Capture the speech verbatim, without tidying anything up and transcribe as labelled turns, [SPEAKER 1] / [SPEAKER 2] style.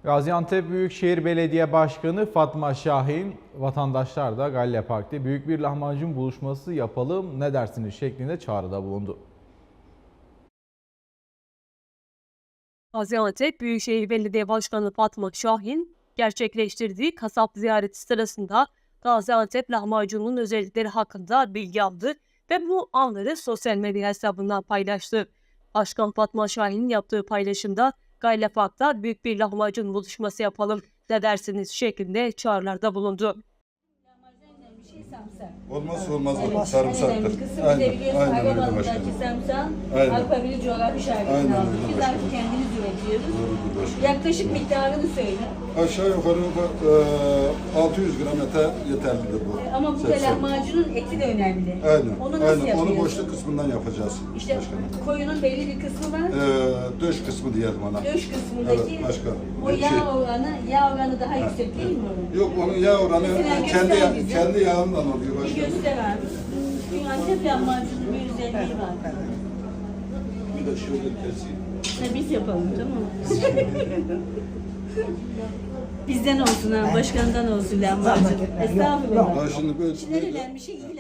[SPEAKER 1] Gaziantep Büyükşehir Belediye Başkanı Fatma Şahin, vatandaşlar da Galle Park'ta büyük bir lahmacun buluşması yapalım ne dersiniz şeklinde çağrıda bulundu.
[SPEAKER 2] Gaziantep Büyükşehir Belediye Başkanı Fatma Şahin gerçekleştirdiği kasap ziyareti sırasında Gaziantep lahmacunun özellikleri hakkında bilgi aldı ve bu anları sosyal medya hesabından paylaştı. Başkan Fatma Şahin'in yaptığı paylaşımda Galle Park'ta büyük bir lahmacun buluşması yapalım ne dersiniz şeklinde çağrılarda bulundu.
[SPEAKER 3] Olmazsa olmaz
[SPEAKER 4] Evet,
[SPEAKER 3] olur. Sarımsaktır.
[SPEAKER 4] Kısım
[SPEAKER 3] Aynen,
[SPEAKER 4] bize biliyorsun
[SPEAKER 3] aynen öyle
[SPEAKER 4] Ayvalık'taki
[SPEAKER 3] başkanım.
[SPEAKER 4] sarımsağın
[SPEAKER 3] Aynen.
[SPEAKER 4] Avrupa Birliği coğrafi şerbetini
[SPEAKER 3] Aynen
[SPEAKER 4] aldık.
[SPEAKER 3] öyle
[SPEAKER 4] Biz
[SPEAKER 3] başkanım.
[SPEAKER 4] artık kendimiz üretiyoruz.
[SPEAKER 3] Doğrudur başkanım.
[SPEAKER 4] Yaklaşık miktarını söyle.
[SPEAKER 3] Aşağı yukarı e, altı yüz gram ete yeterlidir bu.
[SPEAKER 4] E, Ama bu da
[SPEAKER 3] seksen.
[SPEAKER 4] lahmacunun eti de önemli.
[SPEAKER 3] Aynen.
[SPEAKER 4] Onu nasıl
[SPEAKER 3] Aynen.
[SPEAKER 4] yapıyorsun?
[SPEAKER 3] Onu boşluk kısmından yapacağız
[SPEAKER 4] İşte
[SPEAKER 3] başkanım.
[SPEAKER 4] koyunun belli bir kısmı var.
[SPEAKER 3] E, döş kısmı diyelim ona.
[SPEAKER 4] Döş kısmındaki
[SPEAKER 3] Evet başkanım.
[SPEAKER 4] o yağ
[SPEAKER 3] Şey-
[SPEAKER 4] oranı, yağ oranı daha yüksek değil mi onun?
[SPEAKER 3] Yok onun yağ oranı
[SPEAKER 4] Mesela
[SPEAKER 3] e, kendi
[SPEAKER 4] göster
[SPEAKER 3] ya-
[SPEAKER 4] bize.
[SPEAKER 3] kendi yağından oluyor
[SPEAKER 4] Bir
[SPEAKER 3] başkanım.
[SPEAKER 4] göster abi. Çünkü Antep lahmacunun bir özelliği var.
[SPEAKER 3] Bir de şöyle keseyim.
[SPEAKER 4] Ha, biz yapalım tamam mı? Bizden olsun ha, başkandan olsun lahmacun. Estağfurullah.
[SPEAKER 3] Ha, şimdi böyle,
[SPEAKER 4] En önemli şey iyi